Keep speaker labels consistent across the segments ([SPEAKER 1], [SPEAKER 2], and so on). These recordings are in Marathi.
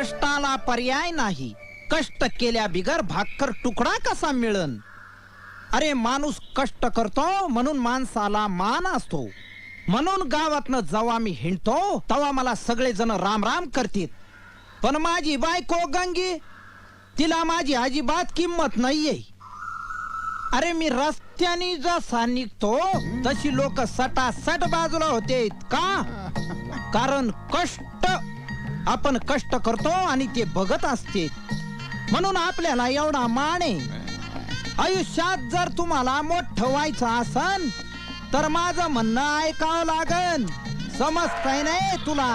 [SPEAKER 1] कष्टाला पर्याय नाही, कष्ट केल्या बिगर भाकर तुकडा कसा मिळन? अरे माणूस कष्ट करतो म्हणून माणसाला मान असतो. म्हणून गावातनं जेव्हा मी हिंडतो तेव्हा मला सगळेजण राम राम करतील. पण माझी बायको गंगी, तिला माझी अजिबात किंमत नाहीये. अरे मी रस्त्याने जसा निघतो तशी लोक सटासट बाजूला होते. का? कारण कष्ट, आपण कष्ट करतो आणि ते बघत असते म्हणून आपल्याला एवढा मान आहे. आयुष्यात जर तुम्हाला मोठं व्हायचं असन तर माझं म्हणणं ऐकावं लागन. समजतंय नाही तुला?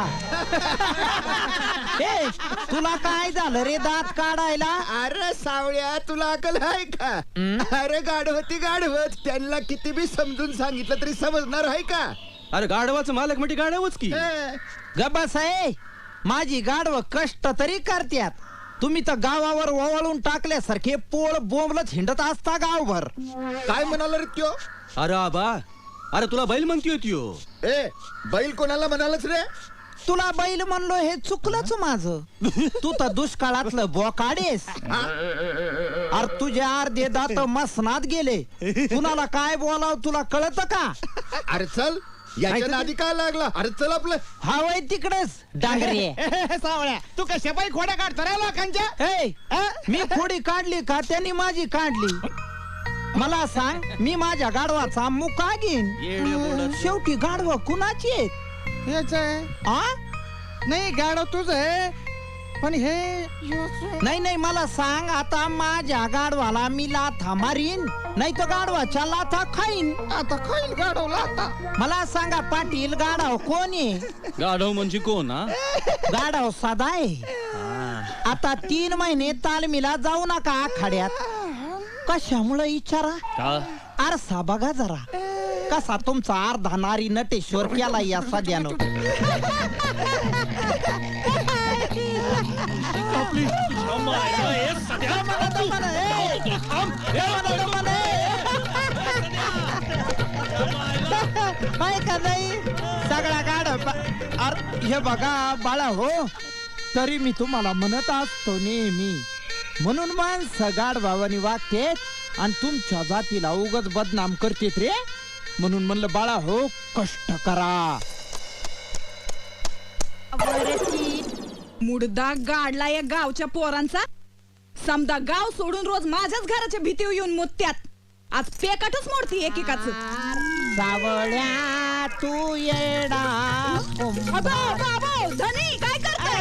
[SPEAKER 1] ए, तुला काय झालं रे दात काढायला?
[SPEAKER 2] अरे सावळ्या, तुला अकल आहे का? अरे गाढवती गाढवत, त्यांना किती बी समजून सांगितलं तरी समजणार आहे का?
[SPEAKER 3] अरे गाढवाचं मालक म्हणजे गाढवच की.
[SPEAKER 1] गबास आहे, माझी गाढव कष्ट तरी करत्यात. तुम्ही तर गावावर ओवाळून टाकल्यासारखे पोळ बोंबलत हिंडत असता गावभर.
[SPEAKER 2] काय म्हणाला रे त्यो?
[SPEAKER 3] अरे आबा, अरे तुला बैल म्हणती होती हो.
[SPEAKER 2] ए, बैल कोणाला म्हणालच रे?
[SPEAKER 1] तुला बैल म्हणलो हे चुकलंच माझं. तू तर दुष्काळातलं बोकाडेस. अरे तुझे अर्धे दात मसनात गेले. कुणाला काय बोलाव तुला कळत का?
[SPEAKER 2] अरे चल, याच्या नादी काय लागला? अरे चल आपलं.
[SPEAKER 1] हा वय तिकडेच डांगरे.
[SPEAKER 4] सावळ्या, तू कशा बाई खोड्या काढतो रे लोकांच्या?
[SPEAKER 1] हे, मी खोडी काढली का त्यांनी माझी काढली? मला सांग, मी माझ्या गाढवाचा मुका घेईन. शेवटी गाढव कुणाची आहेत?
[SPEAKER 4] हेच आहे.
[SPEAKER 1] आ?
[SPEAKER 4] नाही, गाडव तुझ आहे, पण हे
[SPEAKER 1] नाही नाही, मला सांग, आता माझ्या गाढवाला मी लाथा मारीन नाही तर गाढवाच्या लाथा खाईन.
[SPEAKER 4] आता खाईल गाडवला आता.
[SPEAKER 1] मला सांगा पाटील, गाढव कोण आहे?
[SPEAKER 3] गाढव म्हणजे कोण? हा,
[SPEAKER 1] गाढव साधा आहे. आता 3 महिने तालमीला जाऊ नका आखाड्यात. कशामुळे विचारा?
[SPEAKER 3] का?
[SPEAKER 1] आरसा बघा जरा, कसा तुमचा अर्धा नारी नटेश्वर केला या सध्यानं. का नाही सगळा गाड. हे बघा बाळा हो, तरी मी तुम्हाला म्हणत असतो नेहमी, म्हणून माणसं गाड भावानी वागतेत आणि तुमच्या जातीला उगाच बदनाम करतेत रे. म्हणून म्हणलं बाळा हो, कष्ट करा.
[SPEAKER 5] मुडदा गाडला या गावच्या पोरांचा. समदा गाव सोडून रोज माझ्याच घराच्या भीतीवर येऊन मुत्यात. आज पेकाटच मोडती एकेकाच.
[SPEAKER 1] सावळ्या तू येडा.
[SPEAKER 5] धनी काय करताय?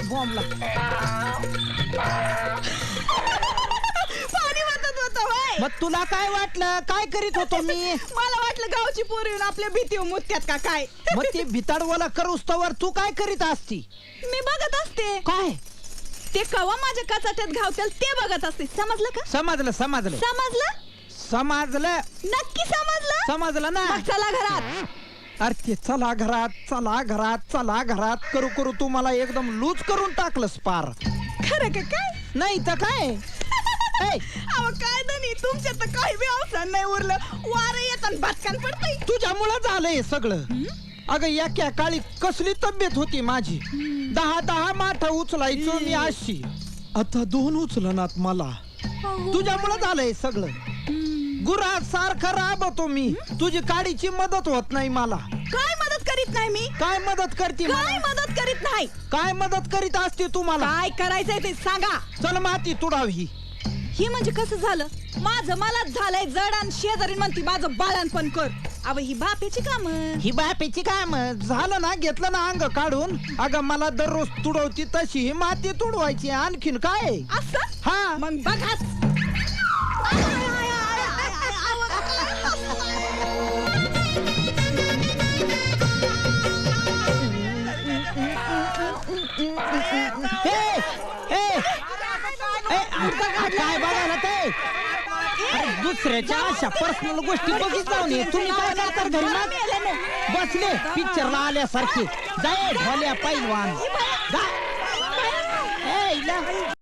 [SPEAKER 5] पाणी वाटत होतं होय.
[SPEAKER 1] मग तुला काय वाटलं? काय करीत होतो मी?
[SPEAKER 5] मला वाटलं गावची पोर येऊन आपल्या भीतीवर मुत्यात का काय.
[SPEAKER 1] मग ते भिताडवाला करूस तवर तू काय करीत असती?
[SPEAKER 5] मी बघत असते
[SPEAKER 1] काय?
[SPEAKER 5] ते कवा माझ्या कचाट्यात घावतील ते बघत असते. समजलं का?
[SPEAKER 1] समजलं समजलं
[SPEAKER 5] समजलं
[SPEAKER 1] समजलं
[SPEAKER 5] नक्की समजलं.
[SPEAKER 1] समजलं ना?
[SPEAKER 5] मग चला घरात.
[SPEAKER 1] अरे ते चला घरात, चला घरात, चला घरात करू करू तू मला एकदम लूज करून टाकलंस पार.
[SPEAKER 5] खरं का काय?
[SPEAKER 1] नाही तर काय.
[SPEAKER 5] अहो काय धनी, तुमच्या तर काही बी अवसर नाही उरलं. वारं येत आणि भटकन पडतंय.
[SPEAKER 1] तुझ्यामुळं झालंय सगळं. अगं एका काळी कसली तब्येत होती माझी. 10 माठ उचलायचो मी अशी. आता 2 उचलनात मला. तुझ्यामुळं झालंय सगळं. गुरा सारखं राबतो मी. तुझी काडीची मदत होत नाही मला.
[SPEAKER 5] काय मदत करीत नाही मी?
[SPEAKER 1] काय मदत करते?
[SPEAKER 5] काय मदत करीत नाही?
[SPEAKER 1] काय मदत करीत असते तुम्हाला?
[SPEAKER 5] काय करायचंय ते सांगा.
[SPEAKER 1] चल माती तुडावी.
[SPEAKER 5] हे म्हणजे कसं झालं? माझं मलाच झालंय जड आणि शेजारी म्हणती माझं बाळणपण कर. अव ही बापेची काम.
[SPEAKER 1] ही बापेची काम झालं ना, घेतलं ना अंग काढून. अगं मला दररोज तुडवती तशी ही माती तुडवायची. आणखीन काय?
[SPEAKER 5] असं?
[SPEAKER 1] हा
[SPEAKER 5] मग बघाच.
[SPEAKER 1] काय बघायला ते? दुसऱ्याच्या अशा पर्सनल गोष्टी बघित जाऊ नये. तुम्ही काय करता घरी ना? बसले पिक्चरला आल्यासारखे. जाय ढोल्या पैलवान जा.